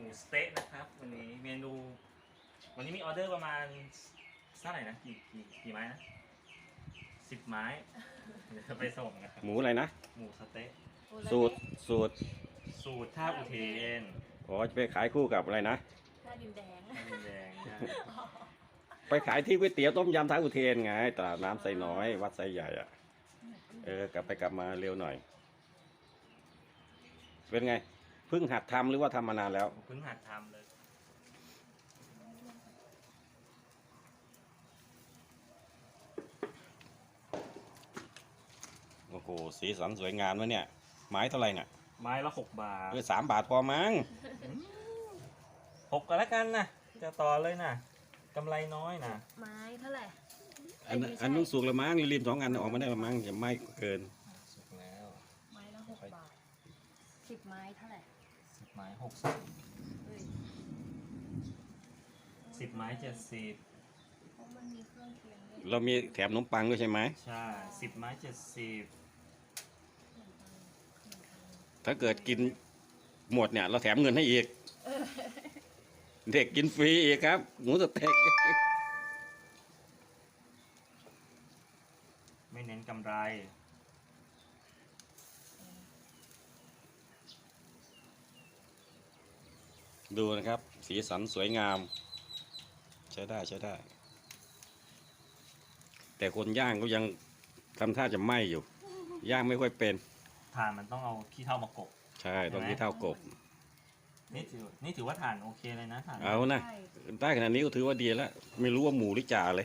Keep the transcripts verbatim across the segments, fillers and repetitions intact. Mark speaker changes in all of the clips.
Speaker 1: สเต๊ะนะครับวันนี้เมนูวันนี้มีออเดอร์ประมาณเท่าไหร่นะกี่กี่กี่ไม้นะสิบไม้เดี๋ยวไปส่งนะครับ
Speaker 2: หมูอะไรนะ
Speaker 1: หมูสเต๊ะ
Speaker 2: สูตรสูตร
Speaker 1: สูตรท่าอุเทน
Speaker 2: อ๋อจะไปขายคู่กับอะไรนะ
Speaker 3: ท่าดินแดง
Speaker 1: ท่าดินแดงนะ
Speaker 2: ไปขายที่ก๋วยเตี๋ยวต้มยำท้าอุเทนไงตลาดน้ำไซน้อยวัดไซใหญ่อ่ะเออกลับไปกลับมาเร็วหน่อยเป็นไงเพิ่งหัดทำหรือว่าทำมานานแล้ว
Speaker 1: เพิ่งหัดทำเลย
Speaker 2: โอ้โหสีสันสวยงามวะเนี่ยไม้เท่าไหร่น่ะ
Speaker 1: ไม้ละหกบาท
Speaker 2: เออสามบาทพอมั้ง
Speaker 1: หกก็แล้วกันนะจะต่อเลยนะกำไรน้อยนะ
Speaker 3: ไม้เท่าไหร่
Speaker 2: อันอันนู้นสุกละมั้งริมสองอันออกมาได้ละมั้งจะไม่เกิน
Speaker 1: สุกแล้ว
Speaker 3: ไม้ละหกบาทสิบไม้เท่าไหร่
Speaker 1: สิบไม้หกสิบ
Speaker 3: เฮ้ย
Speaker 1: สิบไม้เจ็ดสิบ
Speaker 3: เพราะมันมีเครื่องเคียงด้วย
Speaker 2: เรามีแถมขนมปังด้วยใช่ไหม
Speaker 1: ใช่สิบไม้เจ็ดสิบ
Speaker 2: ถ้าเกิดกินหมดเนี่ยเราแถมเงินให้อีกเด็กกินฟรีอีกครับหมูสเต็ก
Speaker 1: ไม่เน้นกำไร
Speaker 2: ดูนะครับ สีสันสวยงาม ใช้ได้ใช้ได้ แต่คนย่างก็ยังทำท่าจะไหม้อยู่ ย่างไม่ค่อยเป็น
Speaker 1: ถ่านมันต้องเอาขี้เถ้ามากบ
Speaker 2: ใช่ต้องที่เท่ากบ
Speaker 1: นี่ถือนี่ถือว่าถ่านโอเคเลยนะถ่าน
Speaker 2: เอานะ
Speaker 3: ใช่
Speaker 2: ได้ขนาดนี้ก็ถือว่าดีแล้ว ไม่รู้ว่าหมูหรือจ่าเลย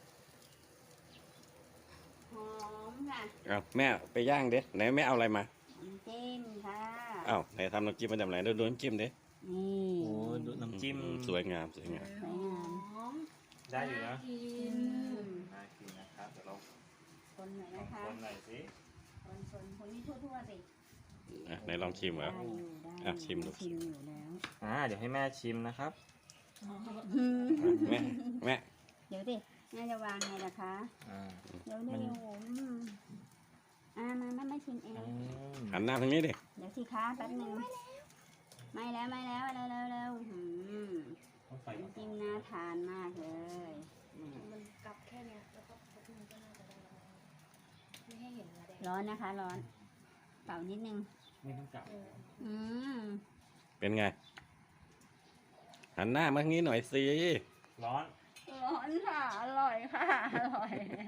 Speaker 4: หอมค่ะ
Speaker 2: เอาแม่ไปย่างเด้ไหนแม่เอาอะไรมา
Speaker 4: น้ำจิ้มค่ะ
Speaker 2: เอาไหนทำน้ำจิ้มมาจากไหนดูดูน้ำจิ้มเด้
Speaker 4: นี่
Speaker 1: โอ้ดูน้ำจิ้ม
Speaker 2: อืสวยงามสวยงาม
Speaker 3: หอม
Speaker 1: ได้อยู่นะ
Speaker 3: กิ
Speaker 4: อื
Speaker 3: น
Speaker 4: ม
Speaker 1: น่ากินนะครับเดี๋ยวเรา
Speaker 4: คนหน่อย
Speaker 1: ลอ
Speaker 4: นะ
Speaker 1: ง
Speaker 4: คะ
Speaker 1: คนหน่อยสิ
Speaker 4: คนคนคนนี้ทั่วๆสิ
Speaker 2: อ่ะไหนลองชิมเหรอ
Speaker 4: ได้อยู่ได้
Speaker 2: อ่ะชิมดู
Speaker 4: ชิมอยู่แล้ว
Speaker 1: อ่าเดี๋ยวให้แม่ชิมนะครับ
Speaker 4: อืม
Speaker 2: แม่แม่
Speaker 4: เดี๋ยวดิแม่จะวางไงล่ะคะ
Speaker 1: อ่า
Speaker 4: เดี๋ยวเดี๋ยวผมอ่ามาแม่ไม่ชิมเอง
Speaker 1: อืม
Speaker 2: หันหน้าทางนี้ดิ
Speaker 4: เดี๋ยวสิคะแป๊บหนึงไม่แล้วไม่แล้วเร็วเร็วเร็วอืม
Speaker 1: ต้องไฟ
Speaker 4: น้ำจิ้มน่าทานมากเลยอืม
Speaker 3: มันกลับแค่เนี้ยแล้วก็มันก็น่าจะได้แล้วไม่ให้เห็นละแดง
Speaker 4: ร้อนนะคะ ร้อนเป่านิดนึง
Speaker 1: ไม่ต้องกลับ
Speaker 3: เออ
Speaker 4: อืม
Speaker 2: เป็นไง หันหน้ามาทางนี้หน่อยสิ
Speaker 1: ร้อน
Speaker 4: ร้อนค่ะ อร่อยค่ะ อร่อย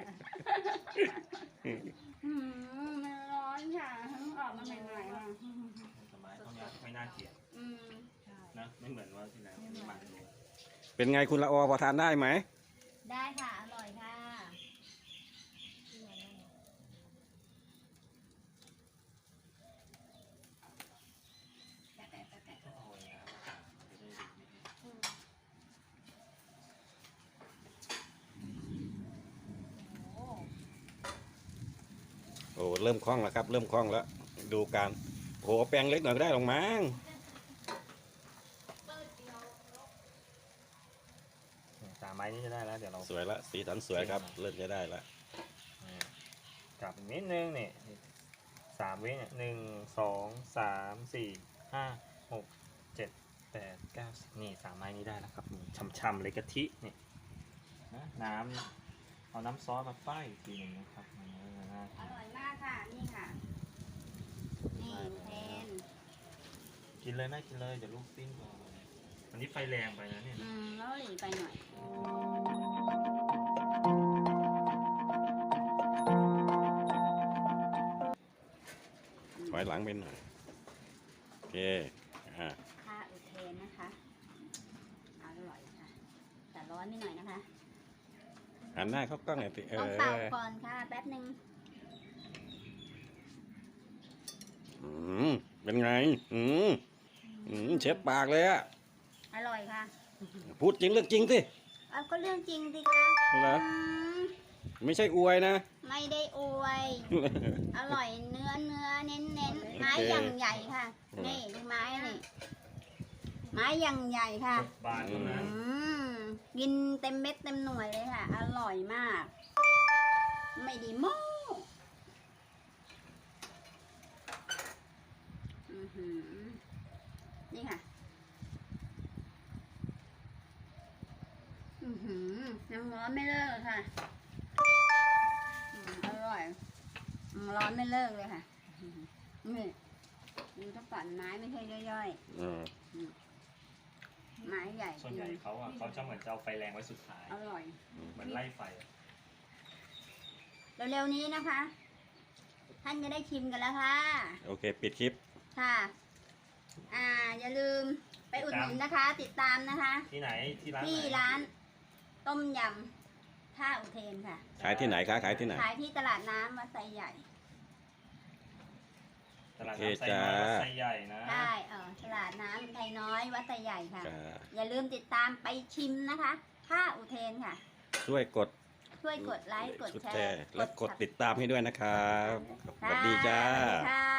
Speaker 4: อืมมันร้อนค่ะเพิ่งออกมาใหม่ๆอ่ะ
Speaker 1: สบายเท่านี้ไม่น่าเกลียด
Speaker 4: อืม
Speaker 3: ใช่
Speaker 1: นะไม่เหมือนว่าที่แล้วที่มันเลย
Speaker 2: เป็นไงคุณละออพอทานได้ไหม
Speaker 4: ได้ค่ะ อร่อยค่ะ
Speaker 3: ที่มันนั่นน่ะ
Speaker 4: แปะแปะแปะแปะ
Speaker 1: ต้องเอาเลยนะครับจะได้ดีไม่ดี
Speaker 3: อืมโอ้
Speaker 2: โอ้เริ่มคล่องแล้วครับ เริ่มคล่องแล้ว ดูการโอ้โหแปลงเล็กหน่อยก็ได้หรอกมั้ง
Speaker 1: สามไม้นี้จะได้แล้วเดี๋ยวเรา
Speaker 2: สวยละสีสันสวยครับ เริ่มจะได้ละ
Speaker 1: กลับอีกนิดนึงนี่สามวิเนี่ยหนึ่งสองสามสี่ห้าหกเจ็ดแปดเก้าสิบนี่สามไม้นี้ได้แล้วครับช่ำๆเลยกะทินี่นะน้ำเอาน้ำซอสมาป้ายอีกทีหนึ่งนะครับมันก็จะน่า
Speaker 4: อ
Speaker 1: กิน
Speaker 4: ร่อยมากค่ะ นี่ค่ะ นี่แทน
Speaker 1: กินเลยแม่กินเลยเดี๋ยวลูกปิ้งก่อนวันนี้ไฟแรงไปนะเนี่ย
Speaker 4: อืมแล้วหลีไปหน่อย
Speaker 2: ถอยหลังไปหน่อยโอเคอ่า
Speaker 4: ท่าอุเทนนะคะ อร่อยค่ะ แต่ร้อนนิดหน่อยนะคะ
Speaker 2: หันหน้าเข้ากล้องหน่อยสิเอ
Speaker 4: ต้อง
Speaker 2: อ
Speaker 4: เป่าก่อนค่ะ แป๊บหนึ่ง
Speaker 2: อืมเป็นไง อืมอืมเช็ดปากเลยอะ
Speaker 4: อร่อยค่ะ
Speaker 2: พูดจริงเรื่องจริงสิ
Speaker 4: เอาก็เรื่องจริงสิคะ
Speaker 2: เหรอ
Speaker 4: อืม
Speaker 2: ไม่ใช่อวยนะ
Speaker 4: ไม่ได้อวย อร่อยเนื้อเนื้อเน้นเน้นไม้
Speaker 2: โอเค
Speaker 4: อย่างใหญ่ค่ะ นี่ดูไม้นี่ ไม้อย่างใหญ่ค่ะ
Speaker 1: บาทเท่านั้น
Speaker 4: อืมกินเต็มเม็ดเต็มหน่วยเลยค่ะ อร่อยมาก ไม่ดีโม้อื้อหือนี่ค่ะอือหือน้ำร้อนไม่เลิกเลยค่ะอืมอร่อยน้ำร้อนไม่เลิกเลยค่ะอื้อหือนี่ดูถ้าปั่นไม้ไม่ใช่ย่อย
Speaker 2: อืม
Speaker 4: ๆไม้ใหญ่
Speaker 1: ส่วนใหญ่เขาอ่ะเขาจะเหมือนจะเอาไฟแรงไว้สุดท้าย
Speaker 4: อร่อย
Speaker 1: เหมือนไล่ไฟอะ
Speaker 4: เร็วๆนี้นะคะ ท่านจะได้ชิมกันแล้วค่ะ
Speaker 2: โอเค ปิดคลิป
Speaker 4: ค่ะ อ่า อย่าลืมไปอุดหนุนนะคะ ติดตามนะคะ
Speaker 1: ที่ไหนที่ร้าน
Speaker 4: ที่
Speaker 1: ไหน
Speaker 4: ร้านต้มยำท่าอุเทนค่ะ
Speaker 2: ขายที่ไหนคะขายที่ไหน
Speaker 4: ขายที่ตลาดน้ำวัดไซใหญ่
Speaker 1: ตลาด
Speaker 2: โอเค
Speaker 1: น้ำไซน้อย
Speaker 2: จ้า
Speaker 1: วัดไซใหญ่นะ
Speaker 4: ใช่เออตลาดน้ำไทยน้อยวัดไซใหญ่ค่ะ
Speaker 2: จ้า
Speaker 4: อย่าลืมติดตามไปชิมนะคะท่าอุเทนค่ะ
Speaker 2: ช่วยกด
Speaker 4: ช่วยกดไลค์ กดแช
Speaker 2: แช
Speaker 4: ร์
Speaker 2: ร์และกดติดตามให้ด้วยนะครับ ส
Speaker 4: ค่ะ
Speaker 2: วัสดีจ้า
Speaker 4: สวัสดีค่ะ